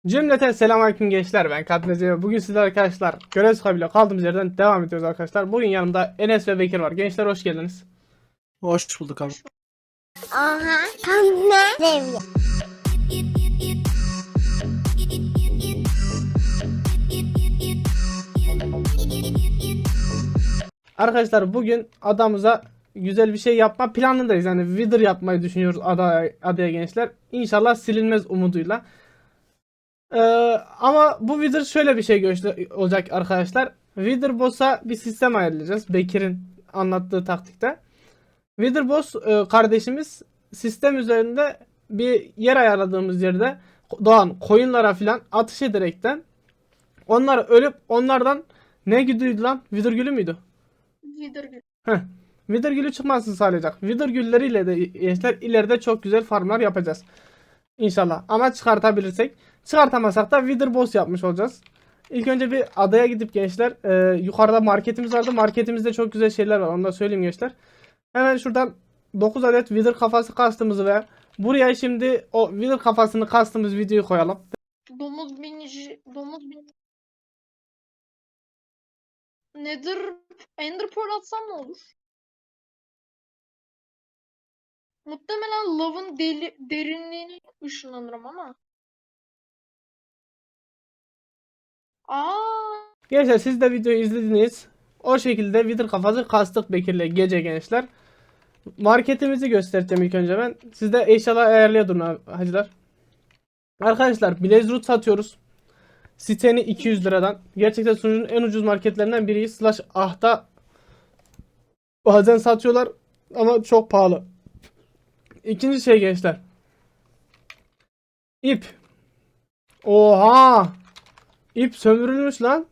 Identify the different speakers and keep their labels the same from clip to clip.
Speaker 1: Cümleten selamünaleyküm gençler, ben Katnece. Bugün sizler arkadaşlar görev sahibiyle kaldığımız yerden devam ediyoruz arkadaşlar. Bugün yanımda Enes ve Bekir var. Gençler hoş geldiniz.
Speaker 2: Hoş bulduk abi.
Speaker 3: Oha, tam ne seviyor?
Speaker 1: Arkadaşlar bugün adamıza güzel bir şey yapma planındayız. Yani Wither yapmayı düşünüyoruz adaya gençler. İnşallah silinmez umuduyla. Ama bu Wither şöyle bir şey olacak arkadaşlar. Wither Boss'a bir sistem ayarlayacağız. Bekir'in anlattığı taktikte. Witherboss kardeşimiz sistem üzerinde bir yer ayarladığımız yerde doğan koyunlara filan atış ederekten onlar ölüp onlardan ne gülüydü lan? Wither gülü müydü?
Speaker 4: Wither gül.
Speaker 1: Heh. Wither gülü çıkmasını sağlayacak. Wither gülleriyle de gençler ileride çok güzel farmlar yapacağız. İnşallah. Ama çıkartabilirsek. Çıkartamazsak da Wither boss yapmış olacağız. İlk önce bir adaya gidip gençler yukarıda marketimiz vardı. Marketimizde çok güzel şeyler var. Onu da söyleyeyim gençler. Hemen şuradan 9 adet Wither kafası kastığımızı ve buraya şimdi o Wither kafasını kastığımız videoyu koyalım.
Speaker 4: Domuz binici. Domuz bin. Nedir? Ender Pearl atsam ne olur? Muhtemelen lavın derinliğine ışınlanırım ama. Aa,
Speaker 1: Gençler siz de videoyu izlediniz. O şekilde Wither kafası kastık Bekir'le gece gençler. Marketimizi göstereceğim ilk önce ben. Siz de eşyalar ayarlaya durun hacılar. Arkadaşlar Blaze Root satıyoruz. Siteni 200 liradan. Gerçekten sunucunun en ucuz marketlerinden biri. Slash ahta bazen satıyorlar ama çok pahalı. İkinci şey gençler. İp. Oha! İp sömürülmüş lan.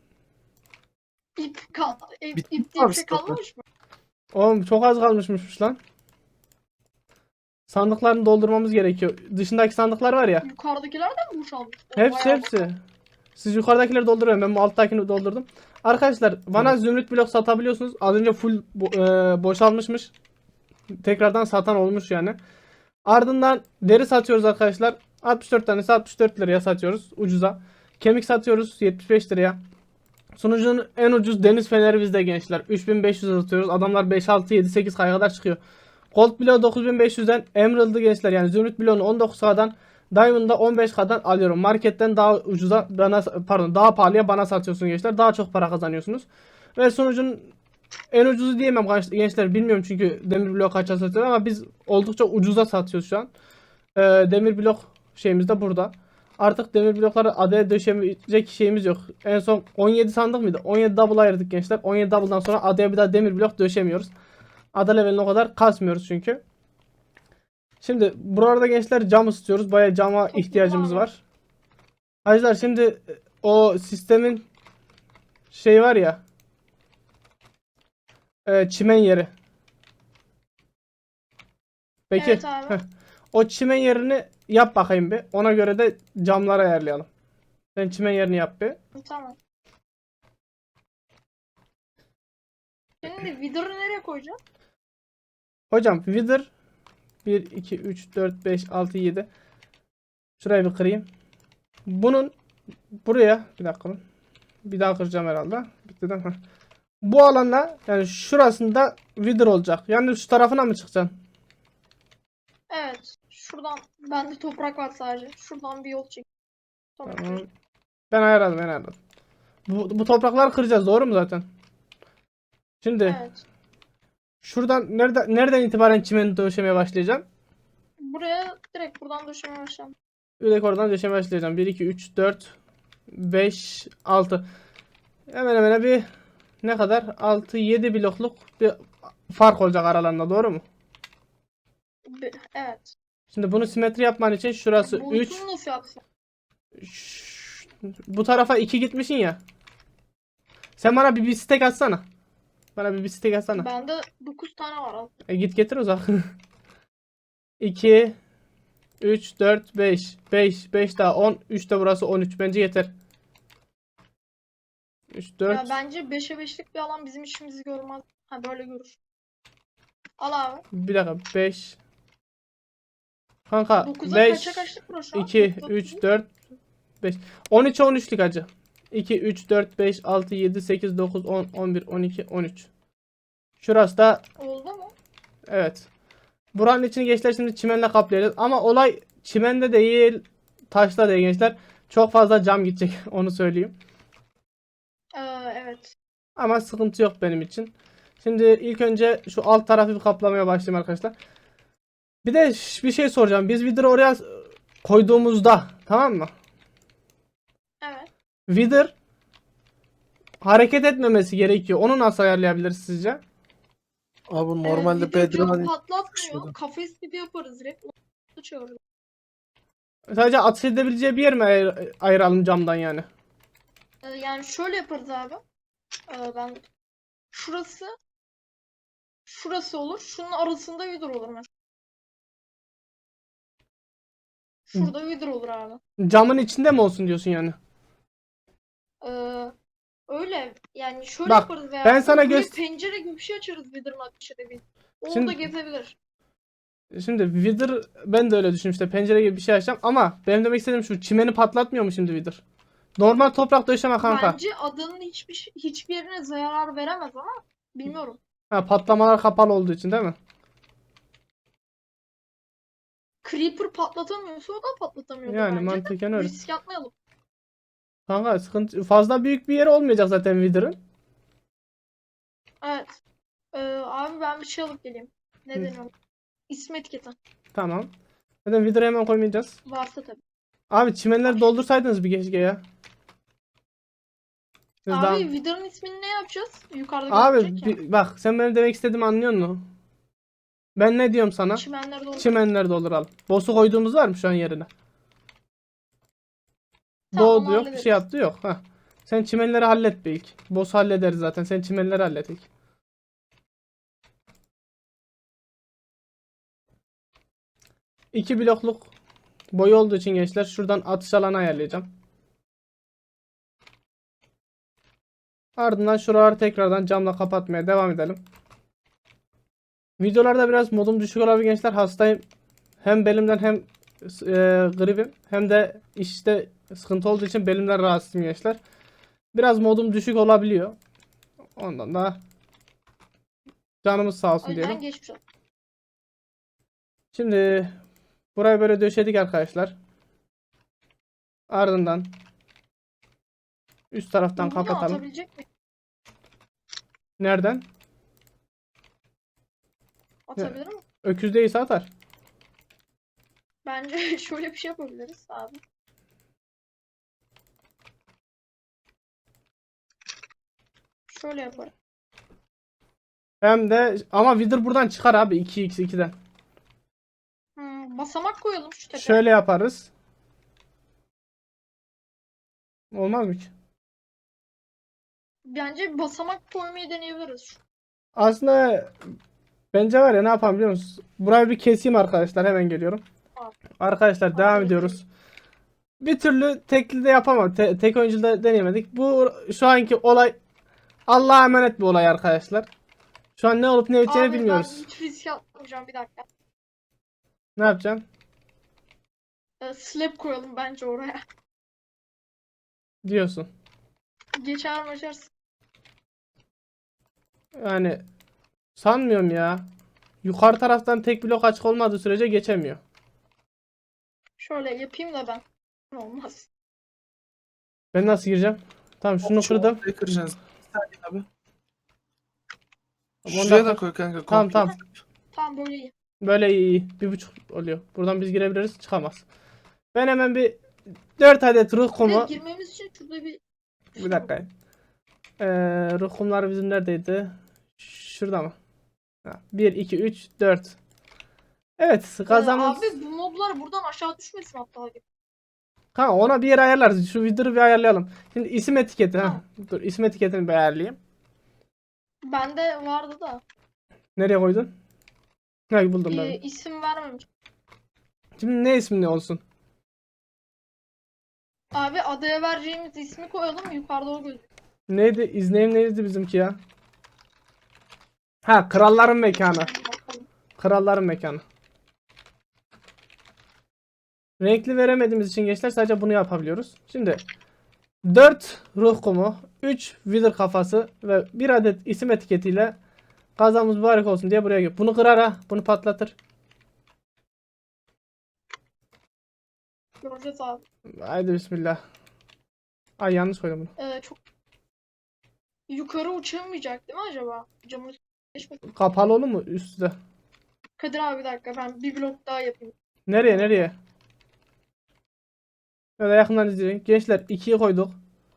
Speaker 4: ip
Speaker 2: Bitti
Speaker 4: diye
Speaker 2: mi
Speaker 4: bir şey
Speaker 2: stoklar?
Speaker 4: kalmamış mı?
Speaker 1: Oğlum çok az kalmışmış lan. Sandıklarını doldurmamız gerekiyor. Dışındaki sandıklar var ya.
Speaker 4: Yukarıdakiler de mi boşalmış?
Speaker 1: Hepsi
Speaker 4: Bayağı
Speaker 1: hepsi. Siz yukarıdakileri dolduruyorum. Ben bu alttakini doldurdum. Arkadaşlar bana zümrüt blok satabiliyorsunuz. Az önce full boşalmışmış. Tekrardan satan olmuş yani. Ardından deri satıyoruz arkadaşlar. 64 tanesi 64 liraya satıyoruz ucuza. Kemik satıyoruz 75 liraya. Sunucunun en ucuz deniz feneri bizde gençler. 3500 satıyoruz. Adamlar 5 6 7 8 kaya kadar çıkıyor. Gold bloğu 9500'den, Emerald'ı gençler yani zümrüt bloğunu 19K'dan, Diamond'da 15K'dan alıyorum. Marketten daha ucuza bana, pardon, daha pahalıya bana satıyorsun gençler. Daha çok para kazanıyorsunuz. Ve sunucunun en ucuzu diyemem gençler, bilmiyorum çünkü demir blok kaça satıyor ama biz oldukça ucuza satıyoruz şu an. Demir blok şeyimiz de burada. Artık demir blokları adaya döşemeyecek şeyimiz yok. En son 17 sandık mıydı? 17 double ayırdık gençler. 17 double'dan sonra adaya bir daha demir blok döşemiyoruz. Ada leveline o kadar kasmıyoruz çünkü. Şimdi buralarda gençler cam istiyoruz. Bayağı cama ihtiyacımız var. Arkadaşlar şimdi o sistemin şey var ya, çimen yeri. Peki.
Speaker 4: Evet abi.
Speaker 1: O çimen yerini yap bakayım bir. Ona göre de camları ayarlayalım. Sen çimen yerini yap bir.
Speaker 4: Tamam. Şimdi Wither'ı nereye koyacağım?
Speaker 1: Hocam Wither 1, 2, 3, 4, 5, 6, 7. Şurayı bir kırayım. Bunun buraya bir dakika. Bir daha kıracağım herhalde. Bitti değil mi? Bu alanda yani şurasında Wither olacak. Yani şu tarafına mı çıkacaksın?
Speaker 4: Evet. Şuradan bende toprak var sadece. Şuradan bir yol çek. Tamam.
Speaker 1: Tamam. Ben ayarladım. Bu toprakları kıracağız, doğru mu zaten? Şimdi
Speaker 4: Evet.
Speaker 1: şuradan nereden itibaren çimeni döşemeye başlayacağım?
Speaker 4: Buraya direkt buradan döşemeye başlayalım.
Speaker 1: Direkt oradan döşemeye başlayacağım. 1, 2, 3, 4, 5, 6. Hemen hemen bir ne kadar? 6, 7 blokluk bir fark olacak aralarında, doğru mu?
Speaker 4: Evet.
Speaker 1: Şimdi bunu simetri yapman için şurası 3.
Speaker 4: Boyutunu nasıl yapsam?
Speaker 1: Bu tarafa 2 gitmişsin ya. Sen bana bir stack atsana. Bana bir stack atsana.
Speaker 4: Bende 9 tane var. Al.
Speaker 1: Git getir o zaman. 2, 3, 4, 5. 5 daha 10. 3 de burası 13. Bence yeter. 3, 4.
Speaker 4: Ya bence 5'e 5'lik bir alan bizim işimizi görmez. Ha böyle görür. Al abi.
Speaker 1: Bir dakika. 5. Kanka
Speaker 4: 9'a
Speaker 1: 5,
Speaker 4: kaça kaçlık burası?
Speaker 1: 2, 3, 4, 5. 13'e 13'lük hacı. 2, 3, 4, 5, 6, 7, 8, 9, 10, 11, 12, 13. Şurası da
Speaker 4: Oldu mu?
Speaker 1: evet. Buranın içini gençler şimdi çimenle kaplayacağız. Ama olay çimende değil, taşla değil gençler. Çok fazla cam gidecek onu söyleyeyim.
Speaker 4: Evet.
Speaker 1: Ama sıkıntı yok benim için. Şimdi ilk önce şu alt tarafı bir kaplamaya başlayayım arkadaşlar. Bir de bir şey soracağım. Biz Wither'ı oraya koyduğumuzda tamam mı?
Speaker 4: Evet.
Speaker 1: Wither hareket etmemesi gerekiyor. Onu nasıl ayarlayabiliriz sizce?
Speaker 2: Abi normalde
Speaker 4: Video camı
Speaker 2: Bedran
Speaker 4: patlatmıyor. Kafes gibi yaparız direkt. Onu çağırırız.
Speaker 1: Sadece ateş edebileceği bir yer mi ayıralım camdan yani?
Speaker 4: Yani şöyle yaparız abi. Ben şurası olur. Şunun arasında Wither olur mesela. Şurada Wither olur abi.
Speaker 1: Camın içinde mi olsun diyorsun yani?
Speaker 4: Ee, Öyle yani şöyle
Speaker 1: Bak,
Speaker 4: yaparız veya
Speaker 1: ben sana
Speaker 4: buraya
Speaker 1: göster-
Speaker 4: pencere gibi bir şey açarız Wither'ın ateş edebilir. Orada
Speaker 1: Şimdi-
Speaker 4: gezebilir.
Speaker 1: Şimdi Wither ben de öyle düşünmüştüm. İşte pencere gibi bir şey açacağım ama benim demek istediğim şu çimeni patlatmıyor mu şimdi Wither? Normal toprak döşeme kanka.
Speaker 4: Bence adanın hiçbir yerine zarar veremez ama bilmiyorum.
Speaker 1: Ha, patlamalar kapalı olduğu için değil mi?
Speaker 4: Creeper patlatamıyorsa o da patlatamıyordur
Speaker 1: Yani
Speaker 4: bence.
Speaker 1: mantıken öyle.
Speaker 4: Risk atmayalım.
Speaker 1: Kanka sıkıntı fazla büyük bir yeri olmayacak zaten Wither'ın.
Speaker 4: Evet. Abi ben bir şey alıp geleyim. Ne
Speaker 1: Hı.
Speaker 4: deniyor? İsim etiketi.
Speaker 1: Tamam. Zaten Wither'ı hemen koymayacağız.
Speaker 4: Varsa tabii.
Speaker 1: Abi çimenleri doldursaydınız bir keşke ya. Siz
Speaker 4: Abi
Speaker 1: daha-
Speaker 4: Wither'ın ismini ne yapacağız? Yukarıda
Speaker 1: Abi
Speaker 4: gözükecek ya.
Speaker 1: bak sen benim demek istediğimi anlıyor musun? Ben ne diyorum sana?
Speaker 4: Çimenler doğru.
Speaker 1: Çimenleri dolduralım. Boss'u koyduğumuz var mı şu an yerine?
Speaker 4: Tamam,
Speaker 1: Doğdu
Speaker 4: onu
Speaker 1: yok, bir
Speaker 4: hallederiz.
Speaker 1: şey yaptı yok. Heh. Sen çimenleri hallet be ilk. Boss'u hallederiz zaten. Sen çimenleri hallet ilk. İki blokluk boyu olduğu için gençler şuradan atış alanı ayarlayacağım. Ardından şuraları tekrardan camla kapatmaya devam edelim. Videolarda biraz modum düşük olabilir gençler. Hastayım. Hem belimden hem gripim hem de işte sıkıntı olduğu için belimden rahatsızım gençler. Biraz modum düşük olabiliyor. Ondan da canımız sağ
Speaker 4: O
Speaker 1: olsun
Speaker 4: yüzden
Speaker 1: diyelim.
Speaker 4: geçmiş olsun.
Speaker 1: Şimdi burayı böyle döşedik arkadaşlar. Ardından üst taraftan
Speaker 4: Bunu
Speaker 1: kapatalım.
Speaker 4: atabilecek mi?
Speaker 1: Nereden?
Speaker 4: Atabilir mi?
Speaker 1: Öküz değilse atar.
Speaker 4: Bence şöyle bir şey yapabiliriz abi. Şöyle yaparım.
Speaker 1: Hem de ama Wither buradan çıkar abi 2x2'den.
Speaker 4: Basamak koyalım şu tepeye.
Speaker 1: Şöyle yaparız. Olmaz mı ki?
Speaker 4: Bence bir basamak koymayı deneyebiliriz.
Speaker 1: Aslında bence var ya ne yapalım biliyor musunuz? Burayı bir keseyim arkadaşlar. Hemen geliyorum.
Speaker 4: Tamam.
Speaker 1: Arkadaşlar devam
Speaker 4: Tamam.
Speaker 1: ediyoruz. Bir türlü tekli de yapamam. Tek oyuncuda deneyemedik. Bu şu anki olay Allah'a emanet bir olay arkadaşlar. Şu an ne olup ne biteceğini
Speaker 4: Abi
Speaker 1: bilmiyoruz.
Speaker 4: ben hiç risk atmayacağım bir dakika.
Speaker 1: Ne yapacaksın?
Speaker 4: Slab koyalım bence oraya.
Speaker 1: Diyorsun.
Speaker 4: Geçer mi açarsın?
Speaker 1: Yani sanmıyorum ya. Yukarı taraftan tek blok açık olmadığı sürece geçemiyor.
Speaker 4: Şöyle yapayım da ben. Olmaz.
Speaker 1: Ben nasıl gireceğim? Tamam şunu kırdım.
Speaker 2: Ortaya kıracaksın. Bir saniye abi.
Speaker 1: Tamam,
Speaker 2: Şuraya
Speaker 1: ondan
Speaker 2: da koy kanka.
Speaker 1: Tamam
Speaker 2: komple.
Speaker 1: tamam.
Speaker 4: Tamam böyle iyi.
Speaker 1: Böyle iyi. 1,5 oluyor. Buradan biz girebiliriz. Çıkamaz. Ben hemen bir 4 adet ruh
Speaker 4: Bir de
Speaker 1: kumu.
Speaker 4: girmemiz için şurada
Speaker 1: Bir dakika. Ruh kumları bizim neredeydi? Şurada mı? 1, 2, 3, 4. Evet kazanımız.
Speaker 4: Abi bu moblar buradan aşağı düşmesin hatta.
Speaker 1: Kanka ona bir yer ayarlarız. Şu Wither'ı bir ayarlayalım. Şimdi isim etiketi.
Speaker 4: Tamam.
Speaker 1: Dur isim etiketini bir ayarlayayım.
Speaker 4: Bende vardı da.
Speaker 1: Nereye koydun? Ha buldum ben.
Speaker 4: İsim vermemiş.
Speaker 1: Şimdi ne ismi olsun?
Speaker 4: Abi adaya vereceğimiz ismi koyalım yukarıda o gözüküyor.
Speaker 1: Neydi? İzneyim neydi bizimki ya? Ha kralların mekanı.
Speaker 4: Bakalım.
Speaker 1: Kralların mekanı. Renkli veremediğimiz için gençler sadece bunu yapabiliyoruz. Şimdi 4 ruh kumu, 3 wither kafası ve 1 adet isim etiketiyle kazamız mübarek olsun diye buraya gel. Bunu kırar ha. Bunu patlatır.
Speaker 4: Göreceğiz abi.
Speaker 1: Haydi bismillah. Ay yanlış koydum bunu.
Speaker 4: Çok yukarı uçamayacak değil mi acaba? Camın üstüne geçmedi.
Speaker 1: Kapalı olur mu üstte?
Speaker 4: Kadir abi bir dakika ben bir blok daha yapayım.
Speaker 1: Nereye? Böyle yakından izleyin. Gençler 2'yi koyduk.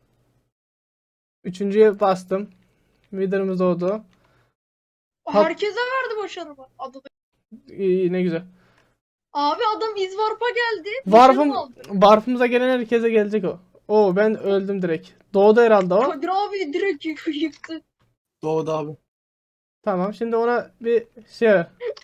Speaker 1: 3.'yü bastım. Wither'ımız doğdu.
Speaker 4: Herkese verdi başarımı. Adada.
Speaker 1: İyi, ne güzel.
Speaker 4: Abi adam izvarpa geldi.
Speaker 1: Warp'ım,
Speaker 4: başarım aldı.
Speaker 1: Warp'ımıza gelen herkese gelecek o. Oo ben öldüm direkt. Doğdu herhalde o.
Speaker 4: Kadir abi direkt yıktı.
Speaker 2: Doğdu abi.
Speaker 1: Tamam şimdi ona bir şey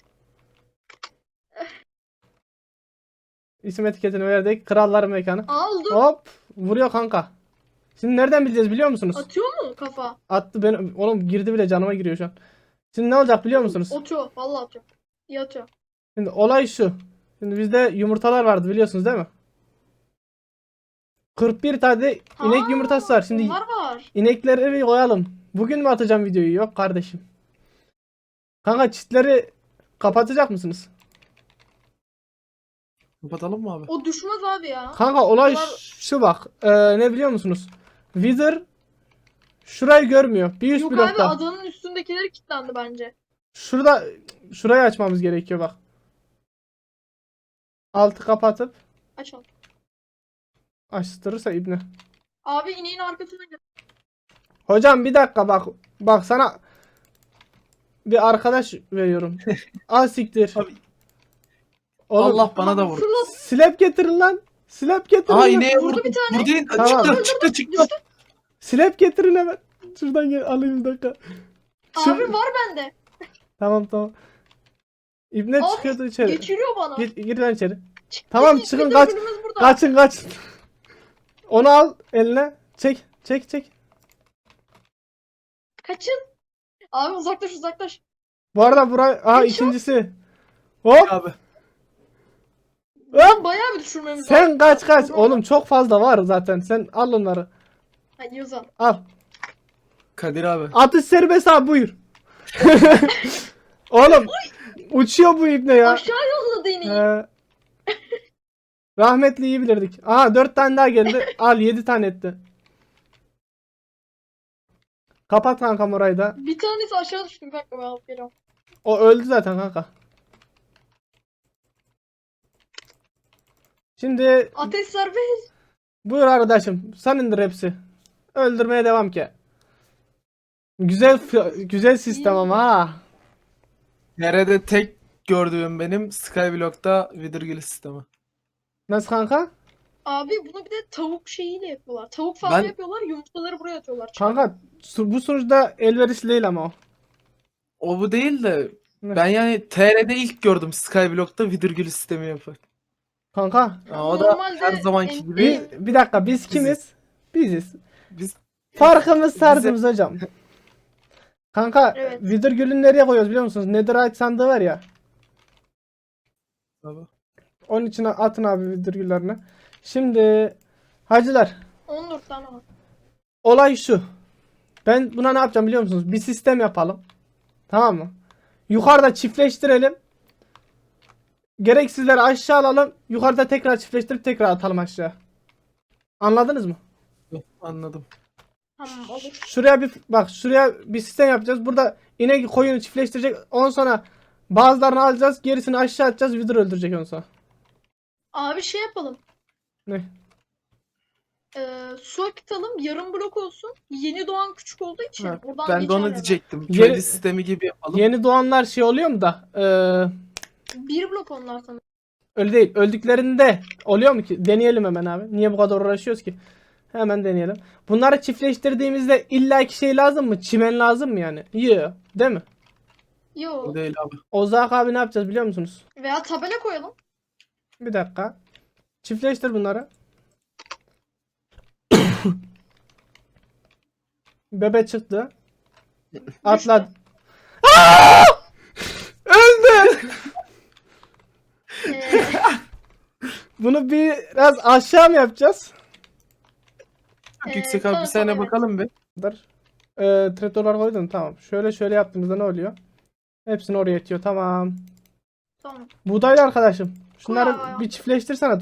Speaker 1: isim etiketini verdik. Kralların mekanı.
Speaker 4: Aldım.
Speaker 1: Hop vuruyor kanka. Şimdi nereden bileceğiz biliyor musunuz?
Speaker 4: Atıyor mu kafa?
Speaker 1: Attı ben oğlum girdi bile canıma giriyor şu an. Şimdi ne olacak biliyor musunuz?
Speaker 4: Atıyor. Vallahi atıyor. İyi atıyor.
Speaker 1: Şimdi olay şu. Şimdi bizde yumurtalar vardı biliyorsunuz değil mi? 41 tane inek
Speaker 4: Ha,
Speaker 1: yumurtası var. Şimdi
Speaker 4: Onlar var.
Speaker 1: inekleri bir koyalım. Bugün mü atacağım videoyu? Yok kardeşim. Kanka çitleri kapatacak mısınız?
Speaker 2: Kapatalım mı abi?
Speaker 4: O düşmez abi ya.
Speaker 1: Kanka olay
Speaker 4: Bunlar-
Speaker 1: şu bak. Ne biliyor musunuz? Wither şurayı görmüyor. Bir üst
Speaker 4: Yok abi
Speaker 1: blokta.
Speaker 4: adanın üstündekileri kilitlendi bence.
Speaker 1: Şurayı açmamız gerekiyor bak. Altı kapatıp
Speaker 4: Açalım.
Speaker 1: açtırırsa ibne.
Speaker 4: Abi ineğin arkasına gel.
Speaker 1: Hocam bir dakika bak. Bak sana bir arkadaş veriyorum. Al siktir.
Speaker 2: Abi,
Speaker 1: Oğlum,
Speaker 2: Allah bana da vurdu.
Speaker 4: Fırlat.
Speaker 1: Slap getirin lan. Slap getirin.
Speaker 2: Aa
Speaker 1: lan.
Speaker 2: ineğe
Speaker 4: Vurdu
Speaker 2: vurdu.
Speaker 4: bir tane.
Speaker 2: Vurdu yine.
Speaker 1: Tamam.
Speaker 2: Çıktı.
Speaker 1: Slap getirin hemen. Şuradan gel alayım bir dakika.
Speaker 4: Abi var bende.
Speaker 1: Tamam. İbne
Speaker 4: Abi,
Speaker 1: çıkıyordu içeri.
Speaker 4: Geçiriyor bana.
Speaker 1: Gir lan içeri.
Speaker 4: Çıktı,
Speaker 1: Tamam,
Speaker 4: çıktı,
Speaker 1: çıkın, kaç.
Speaker 4: öbürümüz burada.
Speaker 1: Kaçın. Onu al eline. Çek.
Speaker 4: Kaçın. Abi uzaklaş.
Speaker 1: Bu arada buraya
Speaker 4: Headshot.
Speaker 1: ikincisi. Hop.
Speaker 2: Abi.
Speaker 1: Hop.
Speaker 4: Bayağı bir düşürmemiz
Speaker 1: Sen
Speaker 4: lazım.
Speaker 1: kaç. Oğlum çok fazla var zaten. Sen al onları.
Speaker 4: Hadi Yozan.
Speaker 1: Al.
Speaker 2: Kadir abi.
Speaker 1: Atış serbest abi buyur. Oğlum uçuyor bu ibne ya.
Speaker 4: Aşağı yolladı ineği.
Speaker 1: He. Rahmetli iyi bilirdik. Aha 4 tane daha geldi. Al 7 tane etti. Kapat kankam orayı da.
Speaker 4: Bir tanesi aşağı düştü. Bir dakika ben alıp geliyorum.
Speaker 1: O öldü zaten kanka. Şimdi
Speaker 4: Ateş serbest.
Speaker 1: buyur arkadaşım. Sen indir hepsi. Öldürmeye devam ki. Güzel sistem ama ha.
Speaker 2: Nerede tek gördüğüm benim Skyblock'ta Withergill sistemi.
Speaker 1: Nasıl kanka?
Speaker 4: Abi bunu bir de tavuk şeyiyle yapıyorlar. Tavuk falan
Speaker 2: Ben-
Speaker 4: yapıyorlar. Yumurtaları buraya atıyorlar.
Speaker 1: Kanka bu sunucuda elverişli değil ama o.
Speaker 2: O bu değil de
Speaker 1: Ne?
Speaker 2: ben yani TR'de ilk gördüm Skyblock'ta Withergill sistemi yapar.
Speaker 1: Kanka
Speaker 2: O da
Speaker 4: Normalde
Speaker 2: her zamanki
Speaker 4: en-
Speaker 2: gibi
Speaker 1: bir dakika biz kimiz? Biziz.
Speaker 2: biz
Speaker 1: Farkımız tarzımız hocam. Kanka
Speaker 4: Evet.
Speaker 1: Wither Gül'ünü nereye koyuyoruz biliyor musunuz? Netherite sandığı var ya.
Speaker 2: Abi.
Speaker 1: Onun içine atın abi Wither Gül'lerini. Şimdi hacılar
Speaker 4: 14 tane var.
Speaker 1: olay şu. Ben buna ne yapacağım biliyor musunuz? Bir sistem yapalım. Tamam mı? Yukarıda çiftleştirelim. Gereksizleri aşağı alalım. Yukarıda tekrar çiftleştirip tekrar atalım aşağı. Anladınız mı?
Speaker 2: Anladım.
Speaker 4: Tamam olur.
Speaker 1: Şuraya bir sistem yapacağız. Burada inek koyunu çiftleştirecek. Ondan sonra bazılarını alacağız. Gerisini aşağı atacağız. Wither öldürecek ondan sonra.
Speaker 4: Abi şey yapalım.
Speaker 1: Ne?
Speaker 4: Su akıtalım. Yarım blok olsun. Yeni doğan küçük olduğu için.
Speaker 2: Ha,
Speaker 4: Buradan
Speaker 2: ben de onu
Speaker 4: geçerler.
Speaker 2: diyecektim.
Speaker 1: Yeni-
Speaker 2: Köylü sistemi gibi yapalım.
Speaker 1: Yeni doğanlar şey oluyor mu da?
Speaker 4: Bir blok onlar sana.
Speaker 1: Öyle değil. Öldüklerinde oluyor mu ki? Deneyelim hemen abi. Niye bu kadar uğraşıyoruz ki? Hemen deneyelim. Bunları çiftleştirdiğimizde illaki şey lazım mı? Çimen lazım mı yani? Yok. Değil mi?
Speaker 4: Yo.
Speaker 2: O değil abi.
Speaker 1: Ozak abi ne yapacağız biliyor musunuz?
Speaker 4: Veya tabela koyalım.
Speaker 1: Bir dakika. Çiftleştir bunları. Bebe çıktı. Atla. Öldü.
Speaker 4: Ee,
Speaker 1: Bunu biraz aşağı mı yapacağız?
Speaker 2: Çok yüksek abi bir
Speaker 4: Sanırsam
Speaker 2: saniye
Speaker 4: evet.
Speaker 2: bakalım bir.
Speaker 1: Dur. Trapdoor'lar koydum, tamam. Şöyle yaptığımızda ne oluyor? Hepsini oraya itiyor, tamam.
Speaker 4: Tamam.
Speaker 1: Buğdaylı arkadaşım. Şunları
Speaker 4: Koy abi.
Speaker 1: bir çiftleştirsene.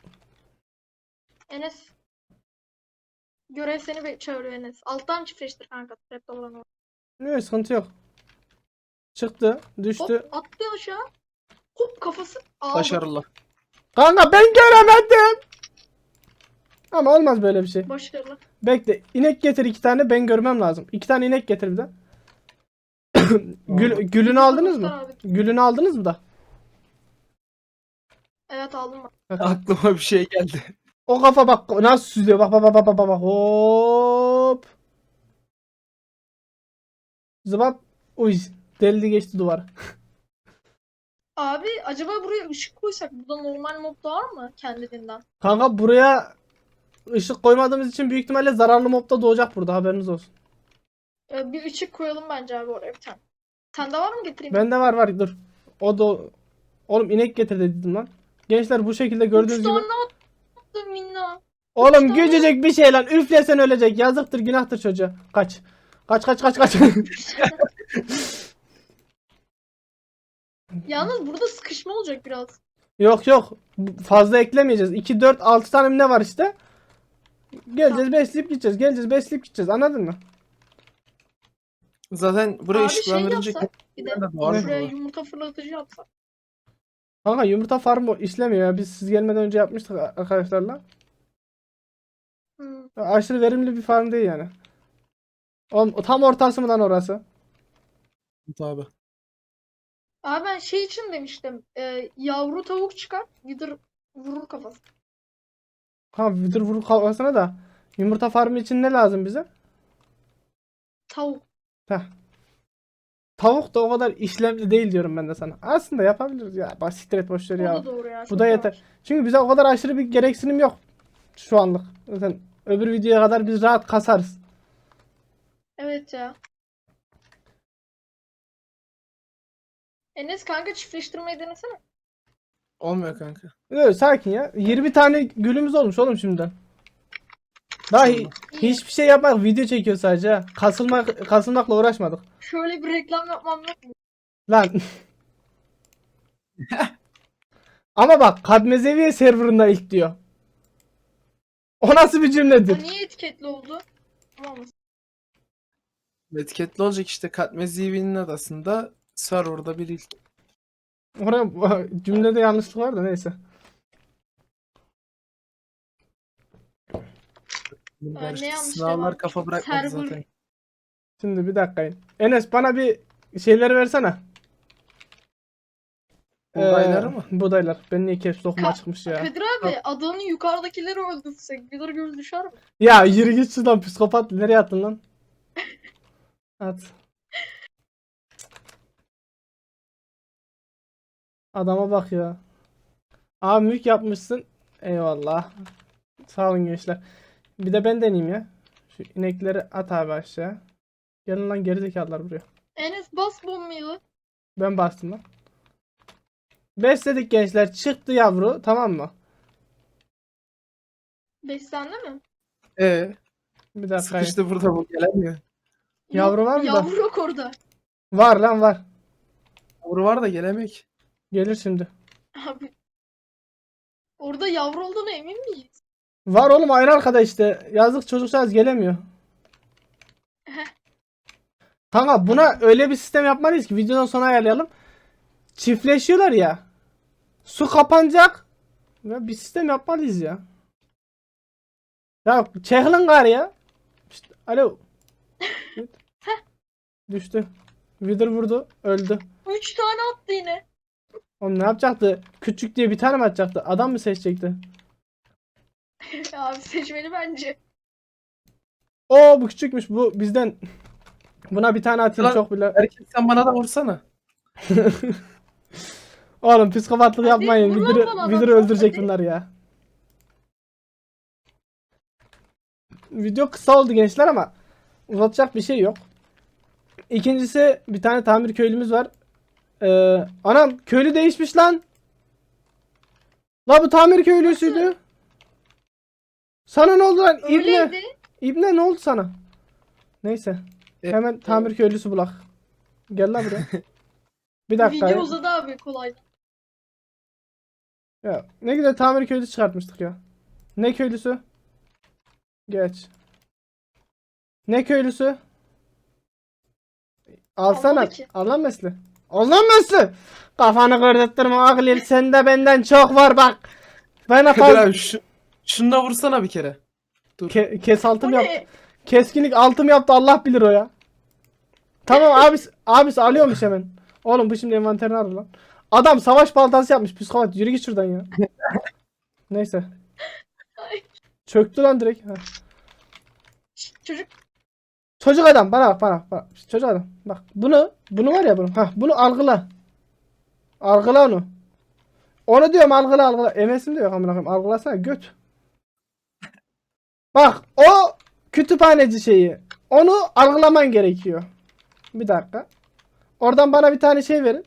Speaker 4: Enes. Görev seni çağırıyor Enes. Alttan çiftleştir kanka. Trap olan o.
Speaker 1: Yok, sıkıntı yok. Çıktı, düştü.
Speaker 4: Hop attı aşağı. Hop kafası aldı.
Speaker 2: Başarılı.
Speaker 1: Kanka ben göremedim. Ama olmaz böyle bir şey.
Speaker 4: Başarılı.
Speaker 1: Bekle. İnek getir 2 tane, ben görmem lazım. 2 tane inek getir bir de. Gülünü aldınız mı?
Speaker 4: Abi.
Speaker 1: Gülünü aldınız mı da?
Speaker 4: Evet aldım ben.
Speaker 2: Aklıma bir şey geldi.
Speaker 1: O kafa bak nasıl süzüyor. Bak bak bak bak bak bak. Hop. Zıbap. Uy. Deldi geçti duvar.
Speaker 4: Abi acaba buraya ışık koysak burada normal mob doğar mı kendiliğinden?
Speaker 1: Kanka buraya ışık koymadığımız için büyük ihtimalle zararlı mob da doğacak burada, haberiniz olsun.
Speaker 4: Bir ışık koyalım bence abi oraya bir tane. Sende var mı getireyim?
Speaker 1: Bende var dur. O da oğlum inek getir dedim lan. Gençler bu şekilde gördüğünüz
Speaker 4: Üç
Speaker 1: gibi.
Speaker 4: tane attım minna.
Speaker 1: Oğlum
Speaker 4: tane.
Speaker 1: gücecek bir şey lan. Üflesen ölecek. Yazıktır, günahtır çocuğa. Kaç. Kaç.
Speaker 4: Yalnız burada sıkışma olacak biraz.
Speaker 1: Yok. Fazla eklemeyeceğiz. 2, 4, 6 tane mi ne var işte. Geleceğiz besleyip gideceğiz. Anladın mı?
Speaker 2: Zaten buraya
Speaker 4: Abi şey
Speaker 2: ışıklandırınca
Speaker 4: yapsak bir de
Speaker 2: de doğar
Speaker 4: şuraya
Speaker 2: mı?
Speaker 4: yumurta fırlatıcı yapsak.
Speaker 1: Kanka yumurta farmı işlemiyor ya. Biz siz gelmeden önce yapmıştık arkadaşlarla.
Speaker 4: Hmm.
Speaker 1: Aşırı verimli bir farm değil yani. Oğlum, tam ortası mı lan orası?
Speaker 2: Abi.
Speaker 4: Abi ben şey için demiştim. Yavru tavuk çıkar. Gider vurur kafası.
Speaker 1: Ha vidır vurur kafasına da. Yumurta farmı için ne lazım bize?
Speaker 4: Tavuk.
Speaker 1: Heh. Tavuk da o kadar işlevli değil diyorum ben de sana. Aslında yapabiliriz ya. Bak siktir et boş ver
Speaker 4: O
Speaker 1: ya.
Speaker 4: da doğru ya.
Speaker 1: Bu
Speaker 4: çok
Speaker 1: da
Speaker 4: yavaş.
Speaker 1: yeter. Çünkü bize o kadar aşırı bir gereksinim yok şu anlık. Zaten öbür videoya kadar biz rahat kasarız.
Speaker 4: Evet ya. Enes kanka çiftleştirmeyi denesene.
Speaker 2: Olmuyor kanka.
Speaker 1: Öyle sakin ya. 20 tane gülümüz olmuş oğlum şimdiden. Daha
Speaker 2: İyi.
Speaker 1: hiçbir şey yapmak, video çekiyor sadece ha. Kasılmakla uğraşmadık.
Speaker 4: Şöyle bir reklam yapmam yok mu?
Speaker 1: Lan. Ama bak Kadmezeviye serverında ilk diyor. O nasıl bir
Speaker 4: Ha,
Speaker 1: cümledir?
Speaker 4: niye etiketli oldu? Tamam mı?
Speaker 2: Etiketli olacak işte Katmezivi'nin adasında serverda bir ilk.
Speaker 1: Oraya cümlede yanlışlık var da neyse.
Speaker 4: Ne yanlış
Speaker 2: Sınavlar
Speaker 4: var?
Speaker 2: kafa bırakmadı
Speaker 4: Server.
Speaker 2: zaten.
Speaker 1: Şimdi bir dakika. Enes bana bir şeyleri versene.
Speaker 2: Buğdayları mı?
Speaker 1: Buğdaylar. Ben niye caps lock'uma çıkmış ya.
Speaker 4: Kadir abi adanın yukarıdakileri öldürsek bir göz düşer mi?
Speaker 1: Ya yürü git şuradan psikopat. Nereye attın lan? At. Adama bak ya. Abi mülk yapmışsın. Eyvallah. Sağ olun gençler. Bir de ben deneyeyim ya. Şu inekleri at abi aşağı. Gelin lan gerizekalılar buraya.
Speaker 4: Enes bas bombayı.
Speaker 1: Ben bastım lan. Besledik gençler. Çıktı yavru. Tamam mı?
Speaker 4: Beslendi mi?
Speaker 2: Sıkıştı
Speaker 1: Bir dakika.
Speaker 2: burada bu gelemiyor.
Speaker 1: Yavru var mı da?
Speaker 4: Yavru yok orada.
Speaker 1: Var lan var.
Speaker 2: Yavru var da gelemek.
Speaker 1: Gelir şimdi.
Speaker 4: Abi. Orada yavru olduğuna emin miyiz?
Speaker 1: Var oğlum aynı arkada işte. Yazık çocukcağız gelemiyor. Kanka buna öyle bir sistem yapmalıyız ki videodan sonra ayarlayalım. Çiftleşiyorlar ya. Su kapanacak. Ya bir sistem yapmalıyız ya. Ya çekilin gari ya. İşte, alo. Düştü. Wither vurdu. Öldü.
Speaker 4: 3 tane attı yine.
Speaker 1: Oğlum ne yapacaktı? Küçük diye bir tane mi atacaktı? Adam mı seçecekti?
Speaker 4: Abi seçmeli bence.
Speaker 1: Oo bu küçükmüş. Bu bizden. Buna bir tane atayım
Speaker 2: Lan-
Speaker 1: çok bile.
Speaker 2: Erkek sen bana da vursana.
Speaker 1: Oğlum psikopatlık
Speaker 4: Hadi,
Speaker 1: yapmayın.
Speaker 4: vur lan
Speaker 1: Wither'ı
Speaker 4: bana,
Speaker 1: Wither'ı
Speaker 4: adam,
Speaker 1: öldürecek
Speaker 4: hadi.
Speaker 1: bunlar ya. Video kısa oldu gençler ama uzatacak bir şey yok. İkincisi bir tane tamir köylümüz var. Anam köylü değişmiş lan. La bu tamir köylüsüydü. Sana ne oldu lan? İbne.
Speaker 4: Öyleydi.
Speaker 1: İbne ne oldu sana? Neyse.
Speaker 2: Evet,
Speaker 1: Hemen tamir köylüsü bulak. Gel lan buraya. Bir dakika.
Speaker 4: Video
Speaker 1: ya.
Speaker 4: uzadı abi kolay.
Speaker 1: Ya, ne güzel tamir köylüsü çıkartmıştık ya. Ne köylüsü? Geç. Ne köylüsü? Alsana.
Speaker 4: Almadı ki.
Speaker 1: Al lan mesle. Al lan mesle. Kafanı kırdırtma Aglil. Sende benden çok var bak. Bana
Speaker 2: Kadir
Speaker 1: fazla.
Speaker 2: abi şununla vursana bir kere. Dur.
Speaker 1: Kes
Speaker 4: Bu
Speaker 1: altım yaptı.
Speaker 4: ne?
Speaker 1: Keskinlik altım yaptı Allah bilir o ya. Tamam abisi alıyormuş hemen. Oğlum bu şimdi envanterini alır lan. Adam savaş baltası yapmış psikopat. Yürü git şuradan ya. Neyse.
Speaker 4: Ay.
Speaker 1: Çöktü lan direkt. Ha.
Speaker 4: Çocuk
Speaker 1: Çocuk adam bana bak. Çocuk adam. Bak bunu var ya bunu. Bunu algıla. Algıla onu. Onu diyorum algıla. Emesim de yok amına koyayım. Algılasana göt. Bak o kütüphaneci şeyi. Onu algılaman gerekiyor. Bir dakika. Oradan bana bir tane şey verin.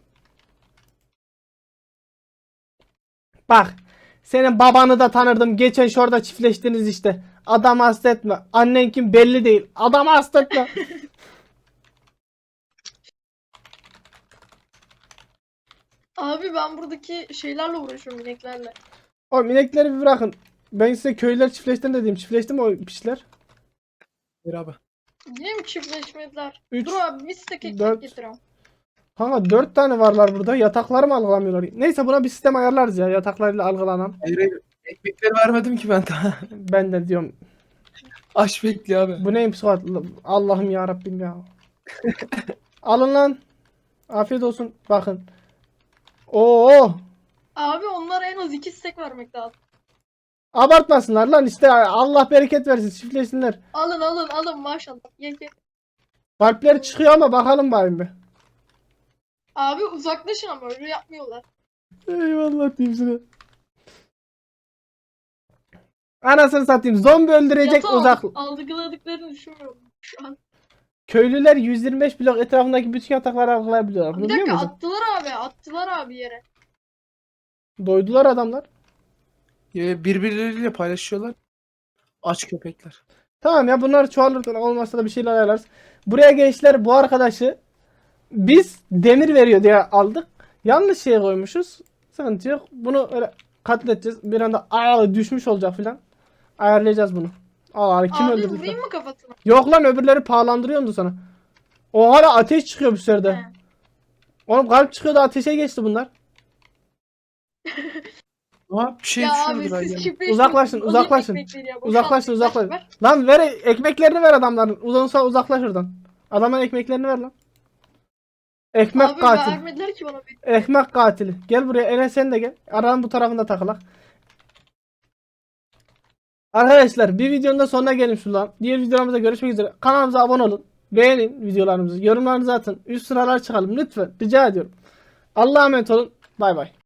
Speaker 1: Bak. Senin babanı da tanırdım. Geçen şurada çiftleştiniz işte. Adamı hasta etme. Annen kim belli değil. Adamı hasta etme.
Speaker 4: abi ben buradaki şeylerle uğraşıyorum ineklerle.
Speaker 1: O inekleri bir bırakın. Ben size köylüler çiftleştin dediğim. Çiftleşti mi o piçler?
Speaker 2: Kadir abi.
Speaker 4: Yine mi çiftleşmediler?
Speaker 1: Üç,
Speaker 4: Dur abi bir stek ekmek
Speaker 1: dört.
Speaker 4: getiriyorum.
Speaker 1: Kanka 4 tane varlar burada. Yatakları mı algılamıyorlar? Neyse buna bir sistem ayarlarız ya. Yataklarıyla algılanan.
Speaker 2: Hayır. Ekmekleri vermedim ki ben daha.
Speaker 1: Ben de diyorum.
Speaker 2: Aç bekliyor abi.
Speaker 1: Bu neymiş Suat? Allah'ım ya Rabbim ya. Alın lan. Afiyet olsun. Bakın. Oo.
Speaker 4: Abi onlara en az 2 stek vermek lazım.
Speaker 1: Abartmasınlar lan işte Allah bereket versin çiftleşsinler.
Speaker 4: Alın maşallah. Ye.
Speaker 1: Kalpleri çıkıyor ama bakalım bayım bir.
Speaker 4: Abi uzaklaşın ama öyle yapmıyorlar.
Speaker 1: Eyvallah diyeyim size. Anasını satayım. Zombi öldürecek
Speaker 4: Yatağı
Speaker 1: uzak.
Speaker 4: algıladıklarını düşünmüyorum şu an.
Speaker 1: Köylüler 125 blok etrafındaki bütün yatakları algılayabiliyorlar. Bunu
Speaker 4: Bir
Speaker 1: biliyor
Speaker 4: dakika
Speaker 1: musun?
Speaker 4: attılar abi yere.
Speaker 1: Doydular adamlar.
Speaker 2: Birbirleriyle paylaşıyorlar. Aç köpekler.
Speaker 1: Tamam ya bunlar çoğalır olmazsa da bir şeyler ayarlarız. Buraya gençler bu arkadaşı biz demir veriyor diye aldık. Yanlış şeye koymuşuz. Sıkıntı yok. Bunu öyle katledeceğiz. Bir anda düşmüş olacak filan. Ayarlayacağız bunu. Kim
Speaker 4: Abi
Speaker 1: öldürdü
Speaker 4: vurayım
Speaker 1: filan.
Speaker 4: mı kafasına?
Speaker 1: Yok lan öbürleri pahalandırıyordu sana. O hala ateş çıkıyor bu sırada.
Speaker 4: He.
Speaker 1: Oğlum kalp çıkıyordu ateşe geçti bunlar.
Speaker 2: Ama bir şey
Speaker 4: Ya abi
Speaker 2: düşüyordur
Speaker 4: siz
Speaker 2: yani.
Speaker 4: çiftleşmeyin.
Speaker 1: Uzaklaşın,
Speaker 4: Alayım
Speaker 1: uzaklaşın.
Speaker 4: ekmekleri ya, boşalt.
Speaker 1: Uzaklaşın
Speaker 4: Ver,
Speaker 1: uzaklaşın.
Speaker 4: ver.
Speaker 1: Lan ver ekmeklerini ver adamların. Uzansa uzaklaş oradan. Adamın ekmeklerini ver lan. Ekmek
Speaker 4: Abi
Speaker 1: katil.
Speaker 4: vermediler ki bana bir.
Speaker 1: Ekmek katili. Gel buraya Enes sen de gel. Aranın bu tarafında takılak. Arkadaşlar bir videonun da sonuna gelin şuradan. Diğer videolarımızda görüşmek üzere. Kanalımıza abone olun. Beğenin videolarımızı. Yorumlarınızı atın. Üst sıralar çıkalım lütfen. Rica ediyorum. Allah'a emanet olun. Bay bay.